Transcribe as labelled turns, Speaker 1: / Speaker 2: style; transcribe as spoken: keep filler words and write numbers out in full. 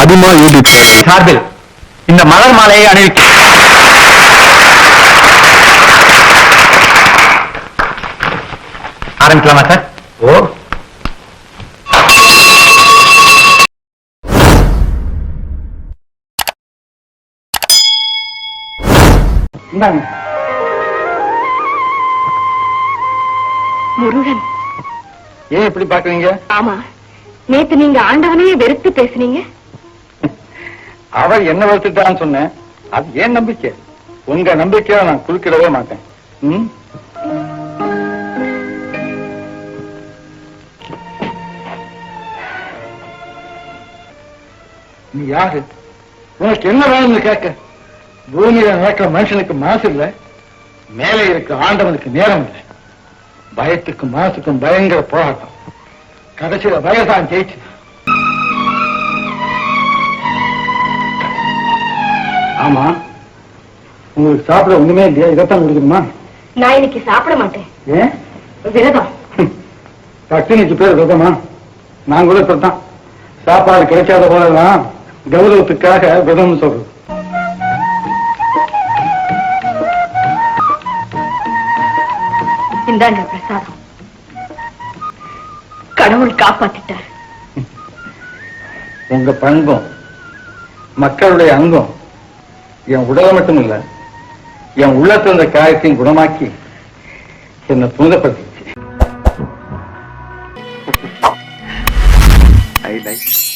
Speaker 1: அபிமா YouTube சார்பில் இந்த மலர் மாலையை அணிவிக்க ஆரம்பிக்கலாமா சார்? ஓ,
Speaker 2: முருகன்.
Speaker 1: ஏன் இப்படி பாக்குறீங்க?
Speaker 2: ஆமா, நேத்து நீங்க ஆண்டவனையே வெறுத்து பேசுனீங்க.
Speaker 1: அவர் என்ன வளர்த்துட்டான்னு சொன்னேன். அது ஏன் நம்பிக்கை. உங்க நம்பிக்கையை நான் குறுக்கிடவே மாட்டேன். ம்? நீ யாரு? உனக்கு என்ன வேணும்னு கேட்க. பூமியில நடக்கிற மனுஷனுக்கு மாசு இல்லை, மேலே இருக்க ஆண்டவனுக்கு நேரம் இல்லை. பயத்துக்கும் மாசுக்கும் பயங்கர போராட்டம். கடைசியில பயதான் ஜெயிச்சு. ஆமா, உங்களுக்கு சாப்பிட ஒண்ணுமே இல்லையா? இதைத்தான் கொடுக்கணுமா?
Speaker 2: நான் இன்னைக்கு சாப்பிட மாட்டேன்.
Speaker 1: ஏன்?
Speaker 2: விரதம்.
Speaker 1: பட்டினிக்கு பேர் விரதமா? நான் கூட இப்பதான் சாப்பாடு கிடைக்காத போலதான் கௌரவத்துக்காக விரதம் சொல்றது.
Speaker 2: இந்தாங்க பிரசாதம். கடவுள் காப்பாத்திட்டார்.
Speaker 1: உங்க பண்பும் மக்களுடைய அங்கம் என் உடலை மட்டும் இல்ல, என் உள்ளத்துல இருந்த காயத்தையும் குணமாக்கி என்னை புனிதப்படுத்திச்சு. I like